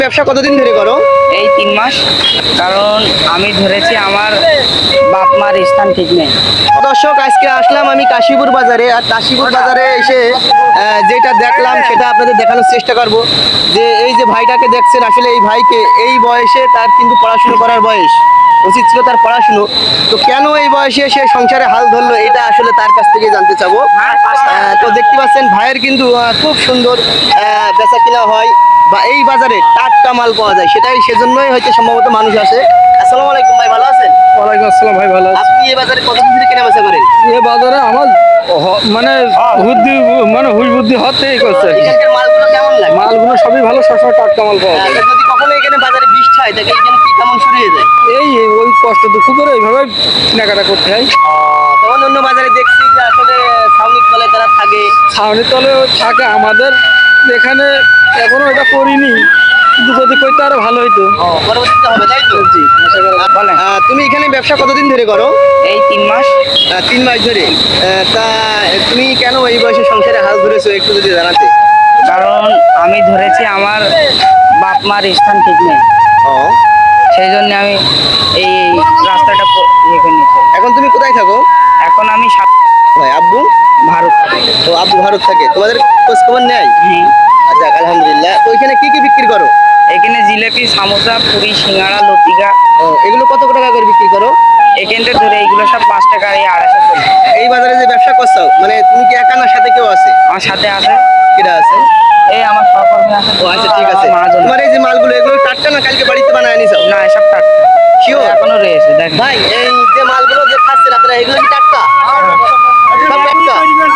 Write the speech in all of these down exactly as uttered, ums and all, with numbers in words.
ব্যবসা কতদিন ধরে করো? এই তিন মাস। কারণ আমি ধরেছি আমার বাপ মার স্থান ঠিক নেই। দর্শক, আজকে আসলাম আমি কাশীপুর বাজারে। আর কাশীপুর বাজারে এসে আহ, যেটা দেখলাম সেটা আপনাদের দেখানোর চেষ্টা করব। যে এই যে ভাইটাকে দেখছেন, আসলে এই ভাইকে এই বয়সে তার কিন্তু পড়াশুনো করার বয়স, উচিত ছিল তার পড়াশুনো। তো কেন এই বয়সে সে সংসারে হাল ধরলো, এটা আসলে তার কাছ থেকে জানতে চাবো। আহ, তো দেখতে পাচ্ছেন ভাইয়ের কিন্তু আহ, খুব সুন্দর আহ, বেচা কিনা হয়, বা এই বাজারে টাটকা মাল পাওয়া যায়, সেটাই সেজন্যই হয়তো সম্ভবত মানুষ আসে। আসসালামু আলাইকুম ভাই, ভালো আছেন? ওয়ালাইকুম আসসালাম ভাই, ভালো আছি। আপনি এই বাজারে কতদিন ধরে কেনা বেচা করেন? এ বাজারে আমার হ- মানে বুদ্ধি মানে হুশ বুদ্ধি হতেই করছে। এখানকার মালগুলো কেমন লাগে? মালগুলো সবই ভালো, সবসময় টাটকা মাল পাওয়া যায়। আচ্ছা, যদি কখনো এখানে বাজারে বৃষ্টি হয় তাহলে এখানে কি কেমন শুরু হয়ে যায়? এই এই ওই কষ্ট দুঃখ করে এইভাবে কেনাকাটা করতে হয়। তখন অন্য বাজারে দেখছি যে আসলে সামনিক তলায় তারা থাকে। ছাউনি তলে থাকে, আমাদের এখানে এখনো এটা করিনি, কিন্তু যদি করতে আরো ভালো হইতো। পরবর্তীতে হবে, তাই তো? জি, আশা করি। বলেন। আহ, তুমি এখানে ব্যবসা কতদিন ধরে করো? এই তিন মাস। আহ, তিন মাস ধরে। আহ, তা তুমি কেন এই বয়সে সংসারে হাল ধরেছো, একটু যদি জানাতে। কারণ আমি ধরেছি আমার বাপ মার স্থান ঠিক নেই, ও, সেই জন্য আমি এই রাস্তাটা প- ইয়ে করে নিয়েছি। এখন তুমি কোথায় থাকো? এখন আমি সা- ভাই আব্বু? ভারত। তো আব্বু ভারত থাকে, তোমাদের খোঁজ খবর নেয়? হ্যাঁ। আচ্ছা, আলহামদুলিল্লাহ। তো এখানে কি কি বিক্রি করো? এখানে জিলেপি, সামোসা, পুরি, সিঙ্গাড়া, লতিকা, ও, এগুলো কত টাকা করে বিক্রি করো? এখানটা ধরে এইগুলো সব পাঁচ টাকা, এই আড়াইশো চলে। এই বাজারে যে ব্যবসা করছো, মানে তুমি কি একা না সাথে কেউ আছে? আমার সাথে আছে, কেটা আছে? এই আমার সহকর্মী আছে। ও আচ্ছা, ঠিক আছে। মহাজন। তোমার এই যে মালগুলো, এগুলো টাটকা না কালকে বাড়িতে বানায় নিছো? না, এসব টাটকা। Sure? এখনো রয়েছে, দেখেন। ভাই, এই যে মালগুলো যে খাচ্ছেন আপনারা, এগুলো কি টাটকা? সব টাটকা?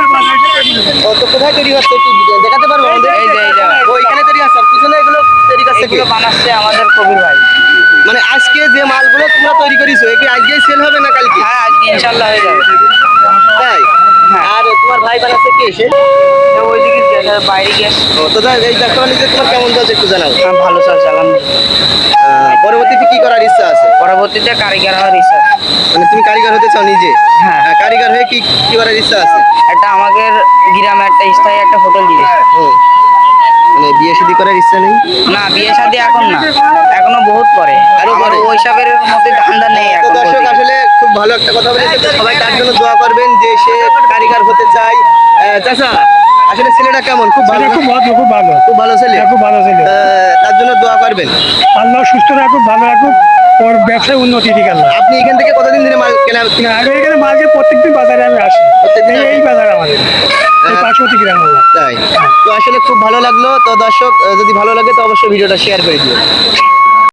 ও, তো কোথায় তৈরি হচ্ছে একটু দেখাতে পারবো আমাদের? এই যে, এই যে। ও, এখানে তৈরি হচ্ছে, আর পিছনে এগুলো তৈরি করছে কি? এগুলো বানাচ্ছে আমাদের কবির ভাই। মানে আজকে যে মালগুলো তোমরা তৈরি করেছো, এগুলো আজকেই সেল হবে না কালকে? হ্যাঁ, আজকে ইনশাল্লাহ হয়ে যাবে। তাই? হ্যাঁ। আর তোমার ভাই বানাচ্ছে কে এসে? তো ওইদিকে যে- বাইরে গেছে। ও, তো তাই এই ব্যবসা বাণিজ্য তোমার কেমন চলছে একটু জানাও। হ্যাঁ, ভালো চলছে আলহামদুলিল্লাহ। আহ, পরবর্তীতে কি করার ইচ্ছা আছে? পরবর্তীতে কারিগর হওয়ার ইচ্ছা। মানে তুমি কারিগর হতে চাও নিজে? হ্যাঁ। আহ, কারিগর হয়ে কি কি করার ইচ্ছা আছে? একটা আমাদের গ্রামে একটা স্থায়ী একটা হোটেল দিবে। হুম। মানে বিয়ে শাদী করার ইচ্ছা নেই? না, বিয়ে শাদী এখন না, এখনো বহুত পরে। আরো আমার পরে? ওইসবের মধ্যে ধান্দা নেই তো এখন দর্শক, বলতে গেলে। আসলে খুব ভালো একটা কথা বলেছে। তো সবাই তার জন্য দোয়া করবেন যে সে কারিগর হতে চায়। আহ, চাচা, আসলে ছেলেটা কেমন? খুব ভালো, খুব ভালো, খুব ভালো, খুব ভালো ছেলে। খুব ভালো ছিল। আহ, তার জন্য দোয়া করবেন। আল্লাহ সুস্থ রাখুক, ভালো রাখুক, ওর ব্যবসায় উন্নতি দিক আল্লাহ। আপনি এখান থেকে কতদিন ধরে মাল কেনা? আমি এখানে মাঝে প্রত্যেকদিন বাজারে আমি আসি। প্রত্যেকদিন এই- এই বাজার আমাদের এই পার্শ্ববর্তী গ্রাম আমার। তাই? তো আসলে খুব ভালো লাগলো। তো দর্শক, আহ, যদি ভালো লাগে তো অবশ্যই ভিডিওটা শেয়ার করে দিও।